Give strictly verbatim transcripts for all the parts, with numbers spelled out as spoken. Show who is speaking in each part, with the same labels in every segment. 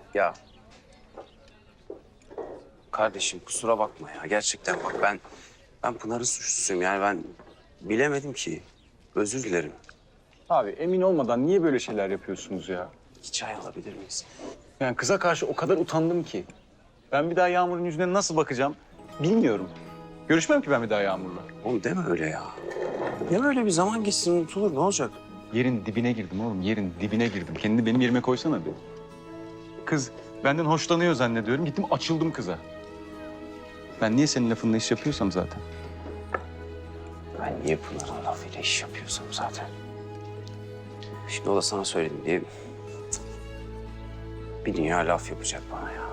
Speaker 1: Ya kardeşim kusura bakma ya. Gerçekten bak ben ben Pınar'ın suçlusuyum. Yani ben bilemedim ki. Özür dilerim.
Speaker 2: Abi emin olmadan niye böyle şeyler yapıyorsunuz ya?
Speaker 1: İki çay alabilir miyiz?
Speaker 2: Yani kıza karşı o kadar utandım ki. Ben bir daha Yağmur'un yüzüne nasıl bakacağım bilmiyorum. Görüşmem ki ben bir daha Yağmur'la.
Speaker 1: Oğlum deme öyle ya. Deme öyle, bir zaman geçsin unutulur, ne olacak?
Speaker 2: Yerin dibine girdim oğlum, yerin dibine girdim. Kendini benim yerime koysana bir. Kız benden hoşlanıyor zannediyorum. Gittim açıldım kıza. Ben niye senin lafınla iş yapıyorsam zaten.
Speaker 1: Ben niye Pınar'ın lafıyla iş yapıyorsam zaten. Şimdi o da sana söyledim diye... Bir dünya laf yapacak bana ya.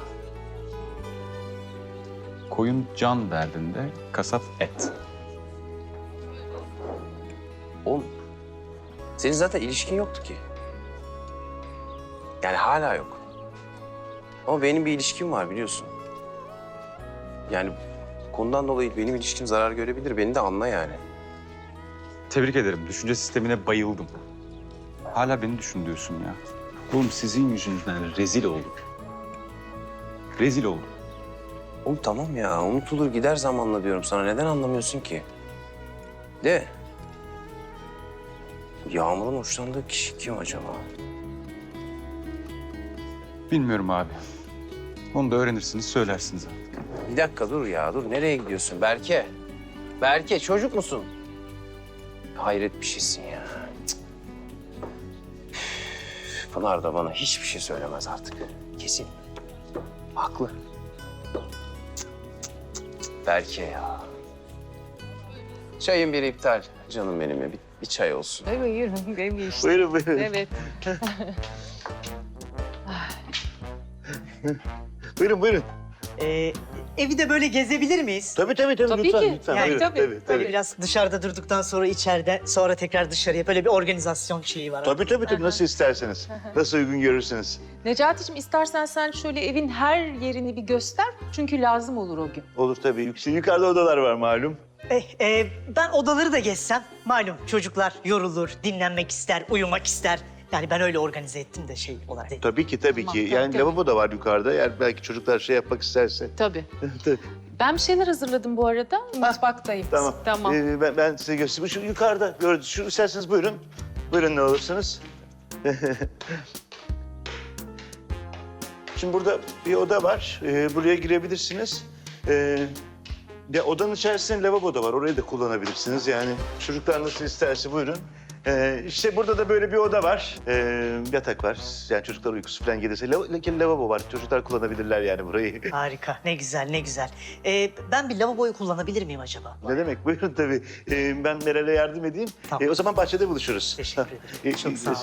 Speaker 2: Koyun can derdinde, kasap et.
Speaker 1: Oğlum, senin zaten ilişkin yoktu ki. Yani hala yok. Ama benim bir ilişkim var biliyorsun. Yani konudan dolayı benim ilişkim zarar görebilir. Beni de anla yani.
Speaker 2: Tebrik ederim. Düşünce sistemine bayıldım. Hala beni düşün diyorsun ya. Oğlum sizin yüzünüzden rezil olduk. Rezil olduk.
Speaker 1: Oğlum tamam ya, unutulur gider zamanla diyorum sana. Neden anlamıyorsun ki? De. Yağmur'un hoşlandığı kişi kim acaba?
Speaker 2: Bilmiyorum abi. Onu da öğrenirsiniz, söylersiniz artık.
Speaker 1: Bir dakika dur ya, dur. Nereye gidiyorsun Berke? Berke, çocuk musun? Hayret bir şeysin ya. Cık. Üf, Pınar da bana hiçbir şey söylemez artık. Kesin. Haklı. Cık, cık, cık. Berke ya. Çayın biri iptal. Canım benim ya. Bir, bir çay olsun.
Speaker 3: Evet, buyurun. Benim işte.
Speaker 1: Buyurun buyurun.
Speaker 3: Evet.
Speaker 4: Buyurun buyurun.
Speaker 5: Ee, evi de böyle gezebilir miyiz?
Speaker 4: Tabii tabii tabii,
Speaker 3: Tabii
Speaker 4: lütfen
Speaker 3: ki.
Speaker 4: lütfen.
Speaker 3: Yani
Speaker 4: buyurun.
Speaker 3: tabii,
Speaker 4: tabii, tabii.
Speaker 5: Biraz dışarıda durduktan sonra içeride, sonra tekrar dışarıya böyle bir organizasyon şeyi var.
Speaker 4: Tabii tabii tabii, nasıl isterseniz. Nasıl uygun görürsünüz.
Speaker 3: Necati'cim istersen sen şöyle evin her yerini bir göster. Çünkü lazım olur o gün.
Speaker 4: Olur tabii. Yük- Yukarıda odalar var malum.
Speaker 5: Eh, e, ben odaları da gezsem, malum çocuklar yorulur, dinlenmek ister, uyumak ister. Yani ben öyle organize ettim de şey olarak.
Speaker 4: Tabii ki tabii
Speaker 3: Tamam,
Speaker 4: ki.
Speaker 3: tabii,
Speaker 4: Yani
Speaker 3: tabii.
Speaker 4: lavabo da var yukarıda. Yani belki çocuklar şey yapmak isterse.
Speaker 3: Tabii.
Speaker 4: Tabii.
Speaker 3: Ben bir şeyler hazırladım bu arada. Mutfaktayım.
Speaker 4: Tamam.
Speaker 3: Tamam.
Speaker 4: Ee, ben, ben size göstereyim. Şu yukarıda gördünüz. Şu isterseniz buyurun. Buyurun ne olursunuz. Şimdi burada bir oda var. Ee, buraya girebilirsiniz. Ee, ya odanın içerisinde lavabo da var. Orayı da kullanabilirsiniz. Yani çocuklar nasıl isterse buyurun. Ee, işte burada da böyle bir oda var. Ee, yatak var. Yani çocuklar uykusu falan gelirse. Lav lakin lavabo var. Çocuklar kullanabilirler yani burayı.
Speaker 5: Harika, ne güzel, ne güzel. Ee, ben bir lavaboyu kullanabilir miyim acaba?
Speaker 4: Ne demek? Buyurun tabii. Ee, ben Meral'e yardım edeyim.
Speaker 5: Tamam.
Speaker 4: Ee, o zaman bahçede buluşuruz.
Speaker 5: Teşekkür
Speaker 4: Ha,
Speaker 5: ederim.
Speaker 4: e,
Speaker 5: Çok
Speaker 4: e,
Speaker 5: sağ olun.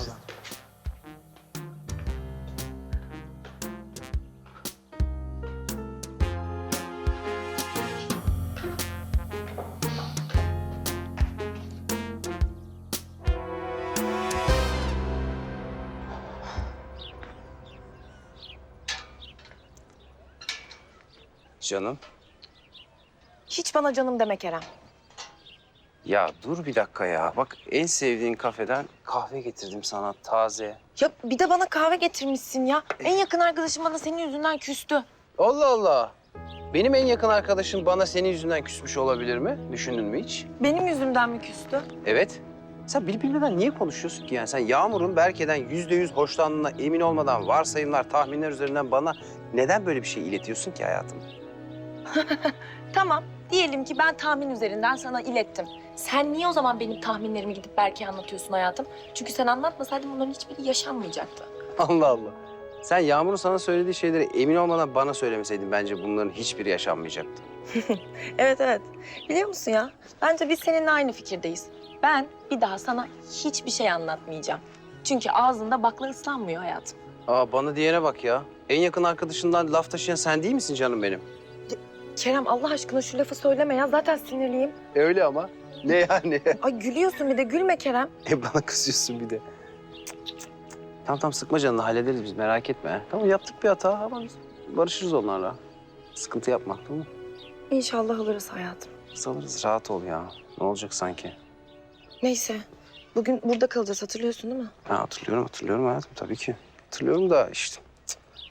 Speaker 1: Canım.
Speaker 6: Hiç bana canım deme Kerem.
Speaker 1: Ya dur bir dakika ya. Bak en sevdiğin kafeden kahve getirdim sana taze.
Speaker 6: Ya bir de bana kahve getirmişsin ya. En yakın arkadaşım bana senin yüzünden küstü.
Speaker 1: Allah Allah. Benim en yakın arkadaşım bana senin yüzünden küsmüş olabilir mi? Düşündün mü hiç?
Speaker 6: Benim yüzümden mi küstü?
Speaker 1: Evet. Sen bilip bilmeden niye konuşuyorsun ki yani? Sen Yağmur'un Berke'den yüzde yüz hoşlandığına emin olmadan varsayımlar, tahminler üzerinden bana neden böyle bir şey iletiyorsun ki hayatım?
Speaker 6: Tamam. Diyelim ki ben tahmin üzerinden sana ilettim. Sen niye o zaman benim tahminlerimi gidip Berke'ye anlatıyorsun hayatım? Çünkü sen anlatmasaydın bunların hiçbiri yaşanmayacaktı.
Speaker 1: Allah Allah. Sen Yağmur'un sana söylediği şeyleri emin olmadan bana söylemeseydin bence bunların hiçbiri yaşanmayacaktı.
Speaker 6: Evet evet. Biliyor musun ya? Bence biz seninle aynı fikirdeyiz. Ben bir daha sana hiçbir şey anlatmayacağım. Çünkü ağzında bakla ıslanmıyor hayatım.
Speaker 1: Aa bana diyene bak ya. En yakın arkadaşından laf taşıyan sen değil misin canım benim?
Speaker 6: Kerem Allah aşkına şu lafı söyleme ya. Zaten sinirliyim.
Speaker 1: Öyle ama. Ne yani?
Speaker 6: Ay gülüyorsun bir de gülme Kerem.
Speaker 1: E bana kızıyorsun bir de. Tamam tamam sıkma canını hallederiz biz merak etme. Tamam yaptık bir hata ama biz barışırız onlarla. Sıkıntı yapma tamam mı?
Speaker 6: İnşallah alırız hayatım.
Speaker 1: Biz alırız rahat ol ya. Ne olacak sanki?
Speaker 6: Neyse. Bugün burada kalacağız hatırlıyorsun değil mi?
Speaker 1: Ha, hatırlıyorum hatırlıyorum hayatım tabii ki. Hatırlıyorum da işte. cık,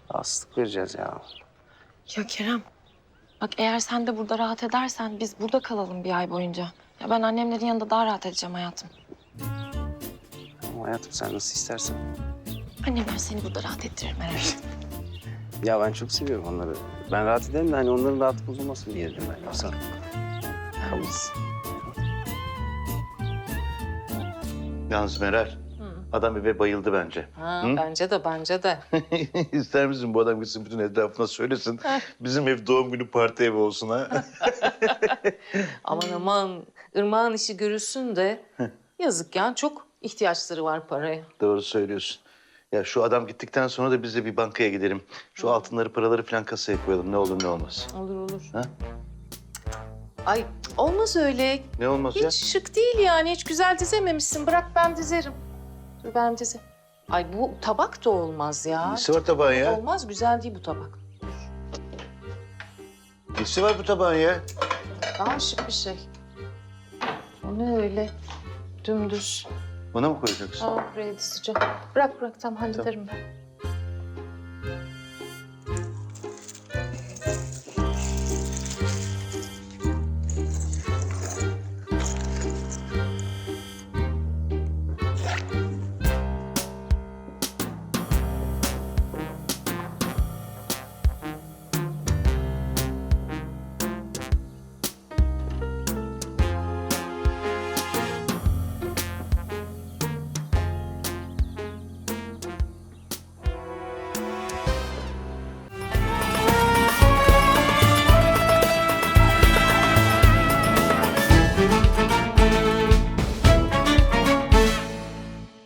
Speaker 1: Rahatsızlık vereceğiz ya.
Speaker 6: Ya Kerem, bak eğer sen de burada rahat edersen biz burada kalalım bir ay boyunca. Ya ben annemlerin yanında daha rahat edeceğim hayatım.
Speaker 1: Ama hayatım sen nasıl istersen.
Speaker 6: Annemler seni burada rahat ettirir merak etme.
Speaker 1: Ya ben çok seviyorum onları. Ben rahat ederim de hani onların rahatı bozulmasın diye dedim ben. Yoksa kalırız.
Speaker 4: Yalnız Meral, adam eve bayıldı bence.
Speaker 3: Ha,
Speaker 4: Hı?
Speaker 3: bence de bence de.
Speaker 4: İster misin bu adam gitsin bütün etrafına söylesin. Bizim ev doğum günü parti evi olsun ha.
Speaker 3: Aman aman Irmak'ın işi görülsün de yazık ya çok ihtiyaçları var paraya.
Speaker 4: Doğru söylüyorsun. Ya şu adam gittikten sonra da biz de bir bankaya gidelim. Şu altınları, paraları falan kasaya koyalım. Ne olur ne olmaz.
Speaker 3: Olur olur.
Speaker 4: Ha?
Speaker 3: Ay olmaz öyle.
Speaker 4: Ne olmaz
Speaker 3: Hiç
Speaker 4: ya?
Speaker 3: şık değil yani. Hiç güzel dizememişsin. Bırak ben dizerim. Dur ben dize. Ay bu tabak da olmaz ya.
Speaker 4: Nesi var tabağın ya?
Speaker 3: Olmaz güzel değil bu tabak.
Speaker 4: Nesi var bu tabağın ya?
Speaker 3: Daha şık bir şey. O ne öyle? Dümdüz.
Speaker 4: Buna mı koyacaksın?
Speaker 3: Aa buraya dizeceğim. Bırak bırak tam hallederim ben.